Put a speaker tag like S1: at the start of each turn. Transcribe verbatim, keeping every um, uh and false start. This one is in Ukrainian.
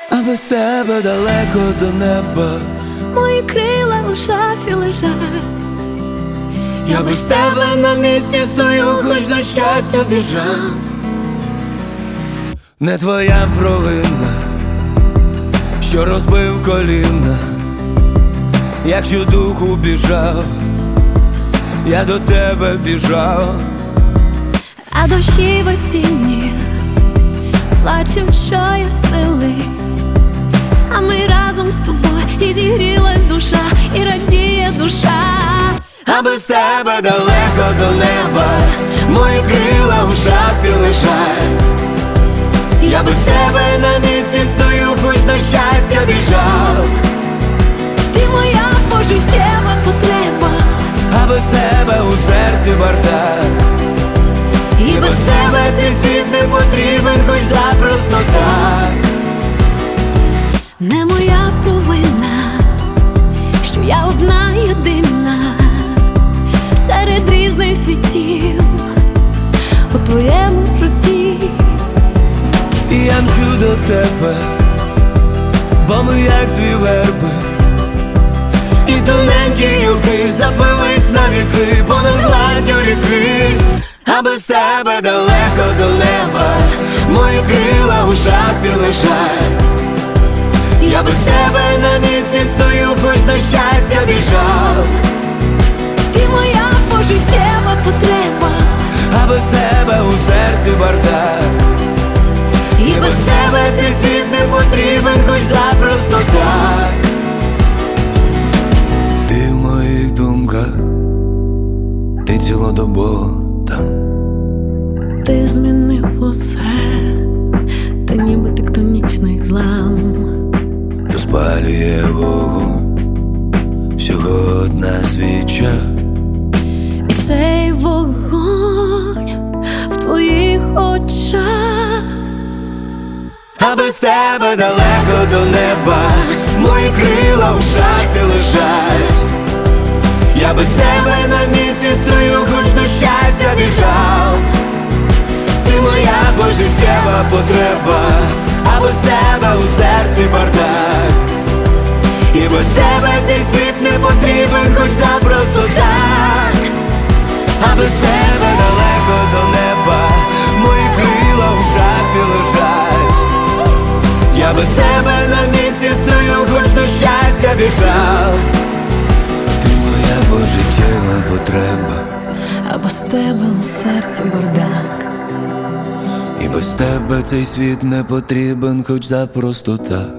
S1: а без тебе далеко до неба.
S2: Мої крила у шафі лежать.
S1: Я без тебе на місці стою, хоч на щастя біжав. Не твоя провина, що розбив коліна. Якщо духу біжав, я до тебе біжав.
S2: А дощі в осінні плачем, що є сили. А ми разом з тобою, і зігрілась душа, і радіє душа.
S1: А без тебе далеко до неба, мої крила в шафі лежать. Я без тебе на місці стою, хоч на щастя біжав.
S2: Ти моя пожиттєва потреба,
S1: А без тебе у серці бардак. І без тебе цей світ не потрібен, хоч запросто так.
S2: не моя провина, що я одна єдина серед різних світів у твоєму житті.
S1: І я мчу до тебе, бо ми як дві верби. І тоненькі гілки запились на віки понад гладдю ріки. А без тебе далеко до неба, мої крила у шафі лежать. Я без тебе на місці стою, хоч на щастя біжав.
S2: Ти моя пожиттєва потреба,
S1: А без тебе у серці бардак. І без тебе цей світ не потрібен, хоч запросто так. Ти в моїх думках, ти цілодобово там.
S2: ти змінив усе, ти ніби тектонічний злам.
S1: Розпалює вогонь всього одна свіча.
S2: І цей вогонь в твоїх очах.
S1: А без тебе далеко до неба, мої крила в шафі лежать. Я без тебе на місці стою, хоч до щастя біжав. Ти моя пожиттєва потреба, а без тебе у серці бардак. І без тебе цей світ не потрібен, хоч запросто так. А без тебе далеко до неба, мої крила в шафі лежать. Я без тебе на місці стою, хоч до щастя біжав. Ти моя пожиттєва потреба,
S2: А без тебе у серці бардак.
S1: і без тебе цей світ не потрібен, хоч запросто так.